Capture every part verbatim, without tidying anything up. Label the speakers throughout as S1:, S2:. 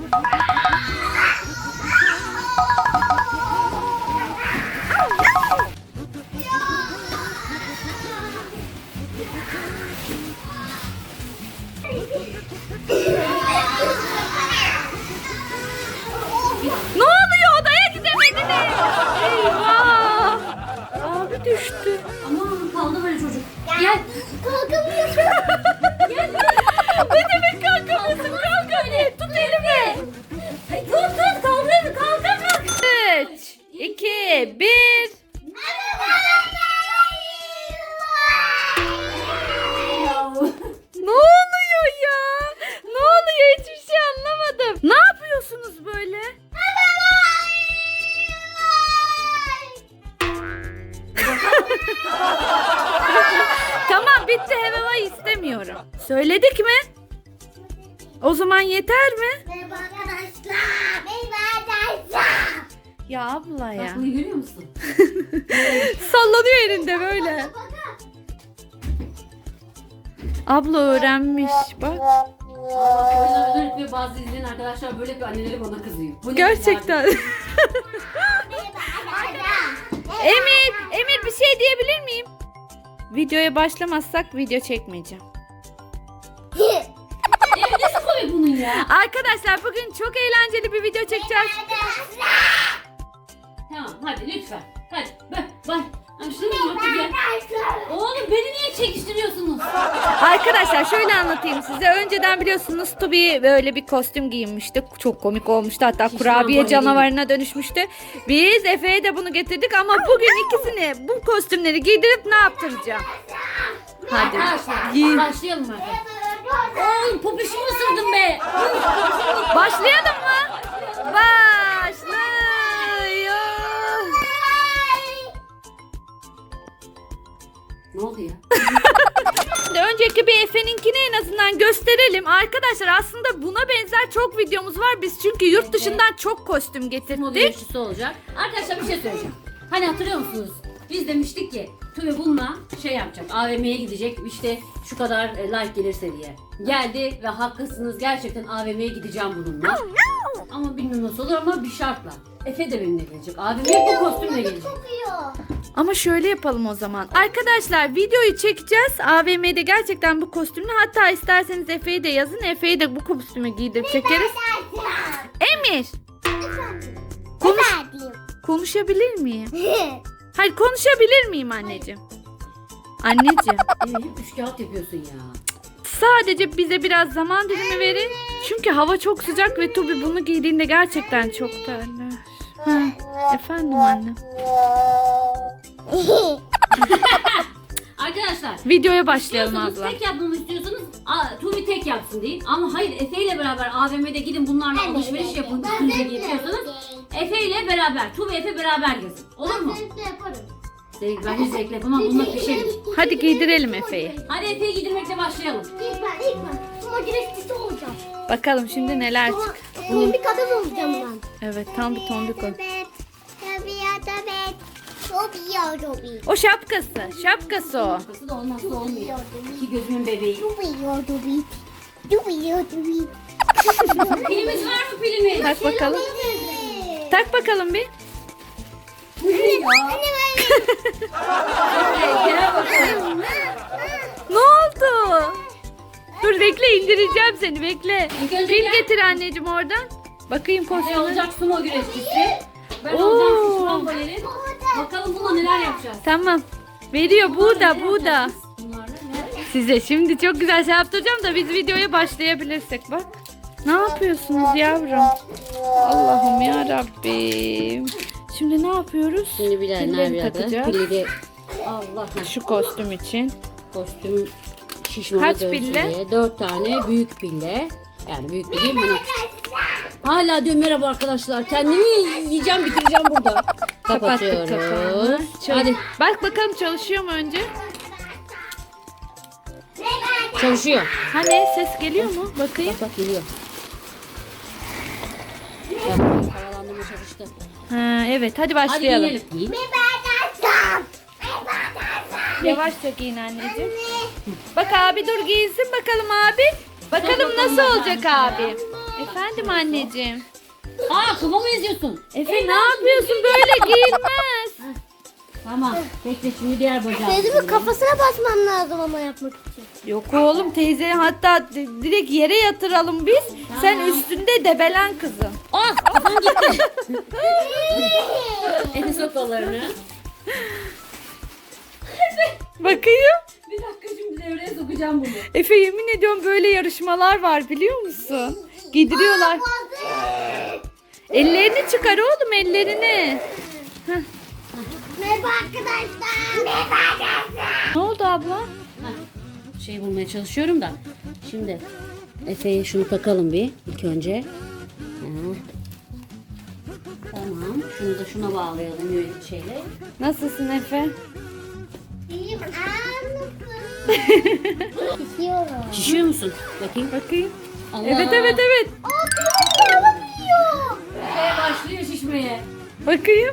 S1: Ne oluyor? Odaya gidemediniz. Eyvah. Abi düştü.
S2: Aman kaldı böyle çocuk. Gel.
S3: Kalkamıyorsun.
S2: Gel.
S1: Ne demek kalkamıyorsun? Kalk hadi. Tut elimi.
S2: Tut tut kaldır. Kaldır kaldır.
S1: üç, iki, bir. Ne oluyor ya? Ne oluyor? Hiçbir şey anlamadım. Ne yapıyorsunuz böyle? Tamam bitti. Hevevay istemiyorum. Söyledik mi? O zaman yeter mi?
S3: Merhaba arkadaşlar. Merhaba arkadaşlar.
S1: Ya abla ya.
S2: Bak bunu görüyor musun?
S1: Sallanıyor elinde böyle. Abla öğrenmiş bak.
S2: Aa, oyunlar özellikle bazı izleyen arkadaşlar böyle bir anneleri bana kızıyor. Bu ne
S1: Gerçekten.
S3: Merhaba arkadaşlar.
S1: Emir, Emir bir şey diyebilir miyim? Videoya başlamazsak video çekmeyeceğim.
S2: Evet nasıl komik bunun ya?
S1: Arkadaşlar bugün çok eğlenceli bir video çekeceğiz.
S2: Tamam hadi lütfen. Hadi bak bak. Şunu otur gel. Oğlum beni niye çekiştiriyorsunuz?
S1: Arkadaşlar şöyle anlatayım size. Önceden biliyorsunuz Tobi böyle bir kostüm giyinmişti. Çok komik olmuştu. Hatta
S2: Şişman
S1: kurabiye
S2: boynu
S1: canavarına dönüşmüştü. Biz Efe'ye de bunu getirdik ama bugün ikisini bu kostümleri giydirip ne yaptıracağım? Hadi.
S2: Arkadaşlar
S1: giy.
S2: başlayalım artık. Oğlum popişimi ısırdım be.
S1: Başlayalım mı? Başlıyor.
S2: Ne oldu ya?
S1: Şimdi önceki bir Efe'ninkini en azından gösterelim. Arkadaşlar aslında buna benzer çok videomuz var. Biz çünkü yurt dışından çok kostüm
S2: Moda
S1: getirdik.
S2: yarışçısı olacak. Arkadaşlar bir şey söyleyeceğim. Hani hatırlıyor musunuz? Biz demiştik ki Tuve bununla şey yapacak. A V M'ye gidecek. İşte şu kadar e, like gelirse diye. Geldi ve haklısınız. Gerçekten A V M'ye gideceğim bununla. Ama bilmiyorum nasıl olur ama bir şartla. Efe de benimle gelecek. A V M'ye bu kostümle gelecek.
S3: Kokuyor.
S1: Ama şöyle yapalım o zaman. Arkadaşlar videoyu çekeceğiz. A V M'de gerçekten bu kostümle. Hatta isterseniz Efe'yi de yazın. Efe'yi de bu kostümü giydirip çekeriz. Emir. Konuş
S3: Efendim.
S1: konuşabilir miyim? Hayır konuşabilir miyim anneciğim? Anneciğim.
S2: Evet, hep üç kağıt yapıyorsun ya.
S1: Sadece bize biraz zaman dilimi verin. Çünkü hava çok sıcak ve Tobi bunu giydiğinde gerçekten çok terler. Ha, efendim anne.
S2: Arkadaşlar
S1: Videoya başlayalım
S2: İstiyorsanız
S1: abla.
S2: tek yapmamı istiyorsanız a, Tuğbi tek yapsın deyin. Ama hayır Efe ile beraber A V M'de gidin bunlarla alışveriş yapın üstünüze giyiyorsanız Efe ile beraber Tuğbi Efe beraber gezin. Olur mu?
S3: Ben de yaparım.
S2: Zevk, ben hiç zevk yapamam bununla pişerim.
S1: Hadi giydirelim Efe'yi.
S2: Hadi Efe'yi giydirmekle başlayalım.
S3: İlk ben, ilk ben. Ama güreşçisi olacağım.
S1: Bakalım şimdi neler
S3: Ama
S1: çık.
S3: tombik adam olacağım ben.
S1: Evet tam bir tombik o.
S3: Tabii ya tabii. Tabii ya tabii.
S1: O şapkası. Şapkası o.
S2: Arkası da olmazsa olmuyor. İki gözümün bebeği.
S3: Tabii ya tabii. Tabii ya tabii.
S2: Pilimiz var mı pilimiz?
S1: Tak bakalım. Tak bakalım bir.
S3: Anne
S2: Gel bakalım.
S1: Ne oldu? Dur bekle indireceğim seni bekle.
S2: İlk önce
S1: Pil
S2: gel.
S1: getir anneciğim oradan. Bakayım
S2: Efe
S1: kostümü.
S2: olacak sumo güreşçisi. Ben
S1: Oo.
S2: olacağım şişman balerin. Bakalım bununla neler yapacağız.
S1: Tamam. Veriyor burada
S2: Neler
S1: burada.
S2: yapacağız biz bunlarla? Ne yapacağız?
S1: Size şimdi çok güzel şey yaptıracağım da biz videoya başlayabilirsek bak. Ne yapıyorsunuz yavrum? Allah'ım ya Rabbim. Şimdi ne yapıyoruz?
S2: Şimdi bilenler
S1: Pillerini
S2: biraz da
S1: takacağız.
S2: pili de Allah
S1: Şu kostüm için.
S2: kostüm şişmana
S1: Kaç
S2: dönsün
S1: pille?
S2: diye. Dört tane büyük pille. Yani büyük dediğim bana. Hala diyorum merhaba arkadaşlar. Kendimi yiyeceğim bitireceğim burada.
S1: Kapattık
S2: Kapatıyoruz.
S1: kapağını. Çal-
S2: Hadi
S1: Bak bakalım çalışıyor mu önce?
S2: çalışıyor.
S1: Hani ses geliyor mu? Bakayım.
S2: Bak bak geliyor. Bak, havalandırma çalıştı.
S1: Ha, evet hadi
S2: Hadi
S1: başlayalım.
S2: giyelim. Giyin.
S1: Yavaşça giyin anneciğim. Bak abi dur giyinsin bakalım abi. Bakalım
S2: Bakalım
S1: nasıl
S2: bakalım
S1: olacak
S2: bakalım.
S1: abi. Efendim anneciğim.
S2: Aa kıvamı eziyorsun.
S1: Efe ne yapıyorsun? Böyle giyilmez.
S2: Tamam. Bekle şimdi diğer bacağı.
S3: Teyzemin kafasına basmam lazım ama yapmak için.
S1: Yok oğlum teyze hatta di- direkt yere yatıralım biz. Sen üstünde debelen kızım.
S2: Ah kafam gitti. Efe sok kollarını.
S1: Bakayım.
S2: Bir dakika şimdi devreye sokacağım bunu.
S1: Efe yemin ediyorum böyle yarışmalar var biliyor musun? Giydiriyorlar. Ellerini çıkar oğlum ellerini.
S3: Merhaba arkadaşlar. Merhaba arkadaşlar.
S1: Ne oldu abla?
S2: Heh, şey bulmaya çalışıyorum da. Şimdi Efe'ye şunu takalım bir ilk önce. Heh. Tamam. Şunu da şuna bağlayalım yürü şeyle.
S1: Nasılsın Efe?
S3: İyiyim. İstiyorum.
S2: Şişiyor musun? Bakayım.
S1: Bakayım.
S2: Allah.
S1: Evet evet evet.
S2: Efe başlıyor şişmeye.
S1: Bakayım.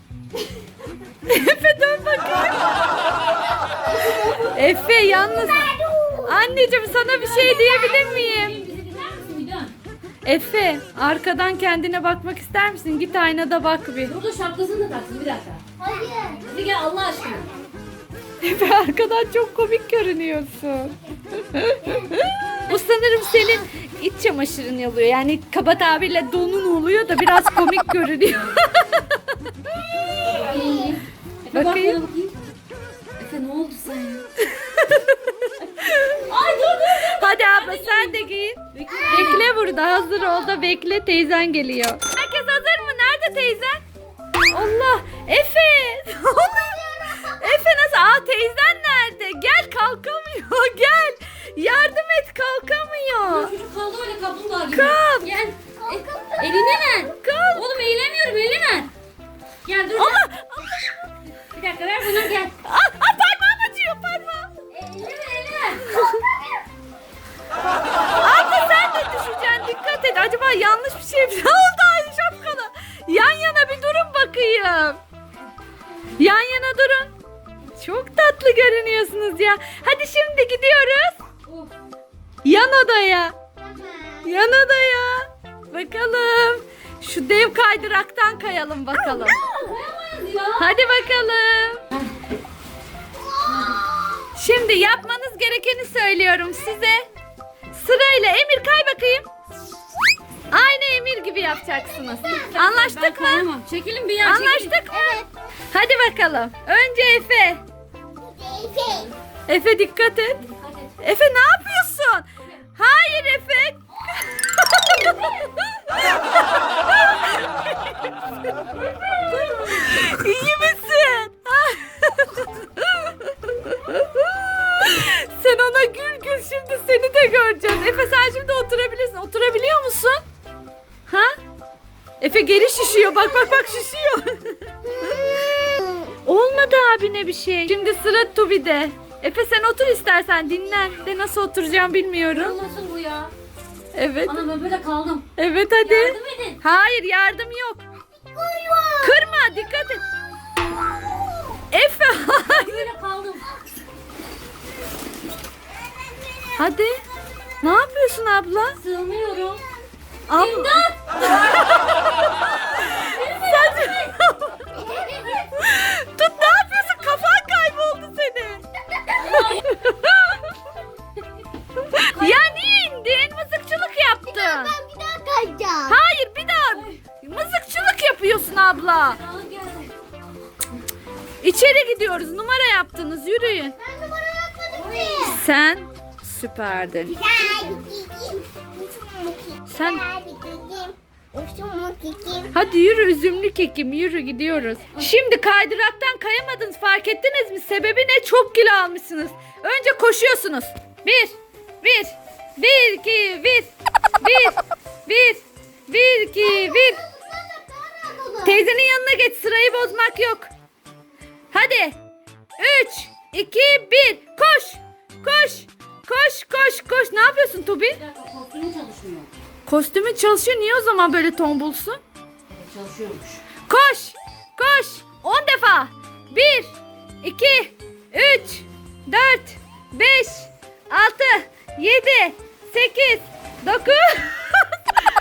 S1: Efe dön bakayım. Efe yalnız. Anneciğim sana bir şey diyebilir miyim?
S2: Bizi dinler misin bir dön.
S1: Efe arkadan kendine bakmak ister misin? Git aynada bak bir.
S2: Dur dur şapkasını da taksın bir dakika.
S3: Hayır.
S2: Hadi gel Allah aşkına.
S1: Efe arkadan çok komik görünüyorsun. Bu sanırım senin iç çamaşırın oluyor. Yani kaba tabirle donun oluyor da biraz komik görünüyor.
S2: Efe bak
S1: Bakayım.
S2: bana bakayım. Efe ne oldu sana ya? Ay dur dur dur.
S1: Hadi abla sen de giyin. Bekle burada hazır ol da bekle teyzen geliyor. Herkes hazır mı? Nerede teyzen? Allah Efe. Ne oluyor? Efe nasıl? Aa teyzen nerede? Gel kalkamıyor gel. Yardım et kalkamıyor.
S2: Çocuk kaldı öyle kaplumbağa gibi.
S1: Kalk.
S2: Gel. E, elini ver.
S1: Kalk.
S2: Oğlum eğilemiyorum elini ver. Gel dur.
S1: Ama
S2: Bir dakika ver bana gel.
S1: aa, aa, parmağım acıyor parmağım.
S2: Elini ver elini ver.
S1: Abla sen de düşeceksin dikkat et. Acaba yanlış bir şey mi oldu aynı şapkalı? Yan yana bir durun bakayım. Yan yana durun. Çok tatlı görünüyorsunuz ya. Hadi şimdi gidiyoruz.
S2: Of.
S1: Yan odaya. Yan odaya. Bakalım. Şu dev kaydıraktan kayalım bakalım.
S2: Koyamayız ya.
S1: Hadi bakalım. Şimdi yapmanız gerekeni söylüyorum size. Sırayla Emir kay bakayım. Aynı Emir gibi yapacaksınız.
S2: Ben
S1: Anlaştık mı?
S2: kayamam. Çekilin bir yer. çekilin.
S1: Anlaştık mı? Hadi bakalım. Önce Efe.
S3: Teyze.
S1: Efe dikkat et.
S2: Dikkat et.
S1: Efe ne yapıyorsun? Hayır Efe. İyi misin? Sen ona gül gül şimdi seni de göreceğiz. Efe sen şimdi oturabilirsin. Oturabiliyor musun? Ha? Efe geri şişiyor. Bak bak bak şişiyor. Olmadı abine bir şey. Şimdi sıra Tubi'de. Efe sen otur istersen dinlen. De nasıl oturacağım bilmiyorum.
S2: Nasıl bu ya?
S1: Evet.
S2: Ana ben böyle kaldım.
S1: Evet hadi.
S2: Yardım edin.
S1: Hayır yardım yok. Kırma dikkat et. Efe hayır.
S2: Böyle kaldım.
S1: Hadi. Ne yapıyorsun abla?
S2: Sığmıyorum.
S1: Abla. Sen... Tut ne yapıyorsun? Kafan kayboldu senin. Ya niye indin? Mızıkçılık yaptın.
S3: Ben bir daha kayacağım.
S1: Hayır bir daha. Mızıkçılık yapıyorsun abla.
S2: Sağlık geldi.
S1: İçeri gidiyoruz. Numara yaptınız. Yürüyün.
S3: Ben numara yapmadım ki.
S1: Sen süperdin. Sen hadi yürü üzümlü kekim yürü gidiyoruz. Şimdi kaydıraktan kayamadınız fark ettiniz mi? Sebebi ne? Çok kilo almışsınız. Önce koşuyorsunuz. Bir, bir, bir, iki, bir, bir, bir, bir, iki, bir. Teyzenin yanına geç sırayı bozmak yok. Hadi. Üç, iki, bir. Koş, koş, koş, koş, koş. Ne yapıyorsun Tubi?
S2: Bir dakika kostümü çalışmıyor.
S1: Kostümün çalışıyor. Niye o zaman böyle tombulsun?
S2: Çalışıyormuş.
S1: Koş! Koş! On defa. Bir, iki, üç, dört, beş, altı, yedi, sekiz, dokuz,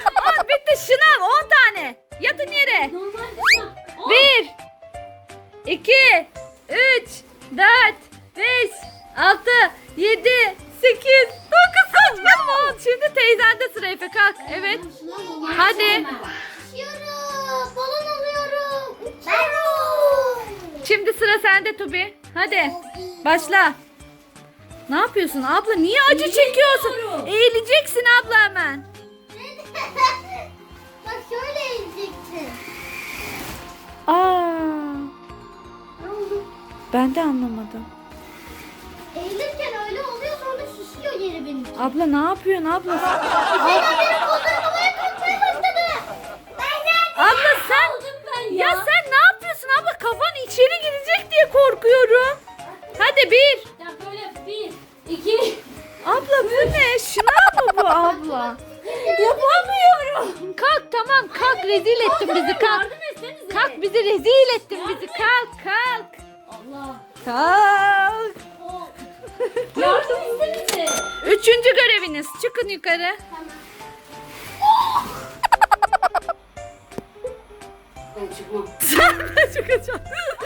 S1: Yatın yere.
S2: Normal. Oh.
S1: Bir, iki, üç, dört, beş, altı, yedi, sekiz, dokuz. Tamam. Şimdi teyzende sıra Efe kalk. Evet. Hadi.
S3: Uçuyorum. Balon alıyorum. Uçuyorum.
S1: Şimdi sıra sende Tubi. Hadi. Başla. Ne yapıyorsun abla? Niye acı çekiyorsun?
S2: Eğilmiyorum.
S1: Eğileceksin abla hemen.
S3: Bak şöyle ezeceksin.
S1: Aa,
S3: Ne oldu?
S1: ben de anlamadım.
S3: Eğilirken öyle oluyor sonra şişiyor yeri benim.
S1: Abla ne yapıyorsun abla?
S3: Zeynep benim kollarım havaya kalkmaya başladı. Ben de.
S1: Abla sen
S2: Aldım ben ya.
S1: ya sen ne yapıyorsun abla? Kafan içeri girecek diye korkuyorum. Hadi bir.
S2: Ya böyle bir, iki.
S1: Abla bu ne? Şınav mı bu abla? Yapamıyorum. Kalk tamam kalk rezil ettin bizi kalk.
S2: Yardım etsenize.
S1: Kalk bizi rezil ettin bizi kalk kalk.
S2: Allah.
S1: Kalk.
S2: Oh. Yardım etsenize.
S1: Üçüncü göreviniz. Çıkın yukarı.
S2: Ben çıkmam.
S1: Sen de çıkacaksın.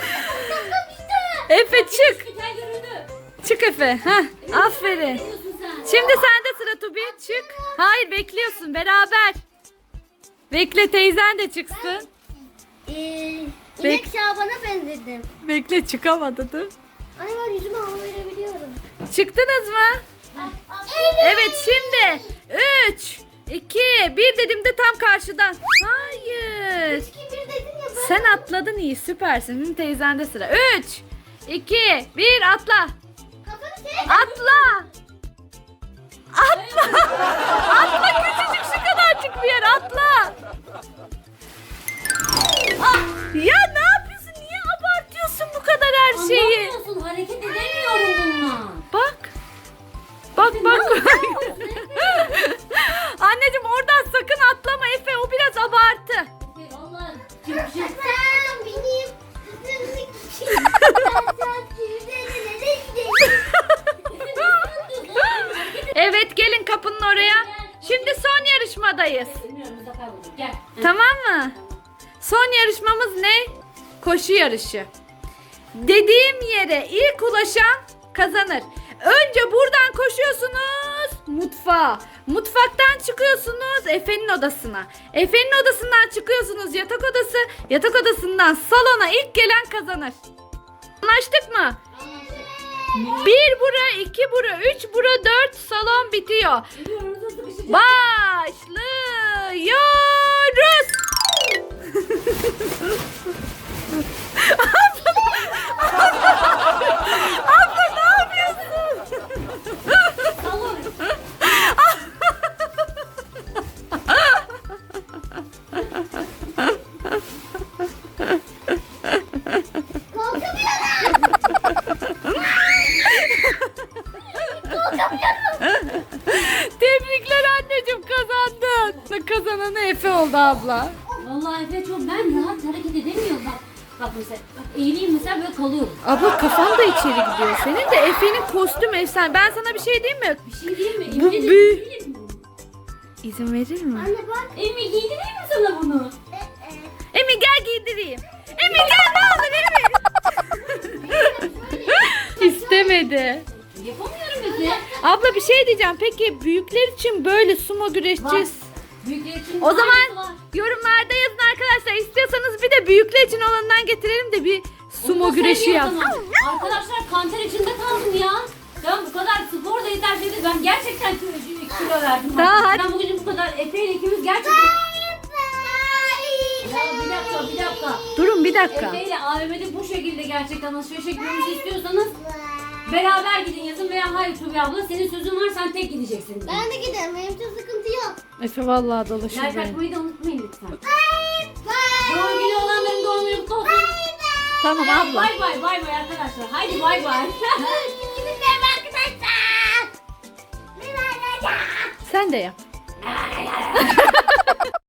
S1: Efe çık.
S2: Güzel göründü.
S1: Çık Efe. Heh, aferin.
S2: Ne diyorsun sen?
S1: Şimdi sende sıra Tubi. Çık. Hayır bekliyorsun beraber. Bekle teyzen de çıksın.
S3: Ee,
S1: Bek-
S3: inek Şaban'a benzedim.
S1: Bekle çıkamadı dur.
S3: Ay ben yüzüme hava verebiliyorum.
S1: Çıktınız mı? Evet şimdi. Üç, iki, bir dediğimde tam karşıdan. Hayır.
S3: Kim bir dedin ya ben.
S1: Sen atladın iyi süpersin. Şimdi teyzende sıra. Üç, iki, bir atla.
S3: Kafanı çek.
S1: Atla. Atla. Atla küçücük şu kadarcık bir yer atla. Ah, ya ne yapıyorsun? Niye abartıyorsun bu kadar her şeyi?
S2: Anlamıyorsun, hareket edemiyorum bununla.
S1: Bak. Bak bak. Anneciğim oradan sakın atlama Efe. O biraz abartı.
S2: Efe, Vallahi çıkacak.
S3: Sen benim kızımlık için. Ben sen kirlerine gidelim.
S1: Evet gelin kapının oraya. Şimdi son yarışmadayız.
S2: Bilmiyorum, biz de kaybolduk. Gel.
S1: Tamam mı? Son yarışmamız ne? Koşu yarışı. Dediğim yere ilk ulaşan kazanır. Önce buradan koşuyorsunuz mutfağa. Mutfaktan çıkıyorsunuz Efe'nin odasına. Efe'nin odasından çıkıyorsunuz yatak odası. Yatak odasından salona ilk gelen kazanır. Anlaştık mı? Bir bura, iki bura, üç bura, dört salon bitiyor.
S2: Biliyorum, nasıl sıkışacak.
S1: Başlıyoruz. Abla ne yapıyorsun?
S2: Salon.
S1: Tebrikler anneciğim kazandın. Kazananı Efe oldu abla.
S2: Vallahi Efe çok ben rahat hareket edemiyorum bak. Bak mesela bak eğileyim mesela böyle kalıyorum.
S1: Abla kafan da içeri gidiyor. Senin de Efe'nin kostüm efsane. Ben sana bir şey diyeyim mi?
S2: Bir şey değil mi?
S1: Bu
S2: Emin
S1: büyük.
S2: değilim.
S1: İzin verir mi?
S3: Anne bak.
S2: Emi giydireyim mi sana bunu?
S1: Emin gel giydireyim. Emin gel ne olur Emin. İstemedi.
S2: Yapamıyorum Efe.
S1: Abla bir şey diyeceğim. Peki büyükler için böyle sumo güreşeceğiz.
S2: Büyükler için
S1: O
S2: aynısı
S1: zaman
S2: var.
S1: yorumlarda yazın arkadaşlar. İstiyorsanız bir de büyükler için olanından getirelim de bir sumo
S2: Onu da
S1: güreşi
S2: söyleyeyim
S1: yap.
S2: o zaman. Arkadaşlar kanter içinde kaldım ya. Ben bu kadar spor da yeter dedi. Ben gerçekten kilo, kilo verdim.
S1: Tamam, hadi.
S2: Ben bugün bu kadar Efe ile ikimiz gerçekten... Ya bir dakika bir dakika.
S1: Durun bir dakika.
S2: Efe ile A V M'de bu şekilde gerçekten alışveriş etmemizi istiyorsanız beraber gidin yazın veya hayır Tubi abla senin sözün var sen tek gideceksin.
S3: Ben de giderim. Benim için sıkıntı yok.
S1: Efe vallahi dolaşır
S2: Like
S1: beni.
S2: atmayı da unutmayın lütfen.
S3: Bye.
S2: Doğum günü olanların doğum günü kutlu olsun.
S1: Tamam abla.
S2: Bay bay bay bay arkadaşlar. Haydi bay bay.
S3: Görüşürüz arkadaşlar.
S1: Sen de yap.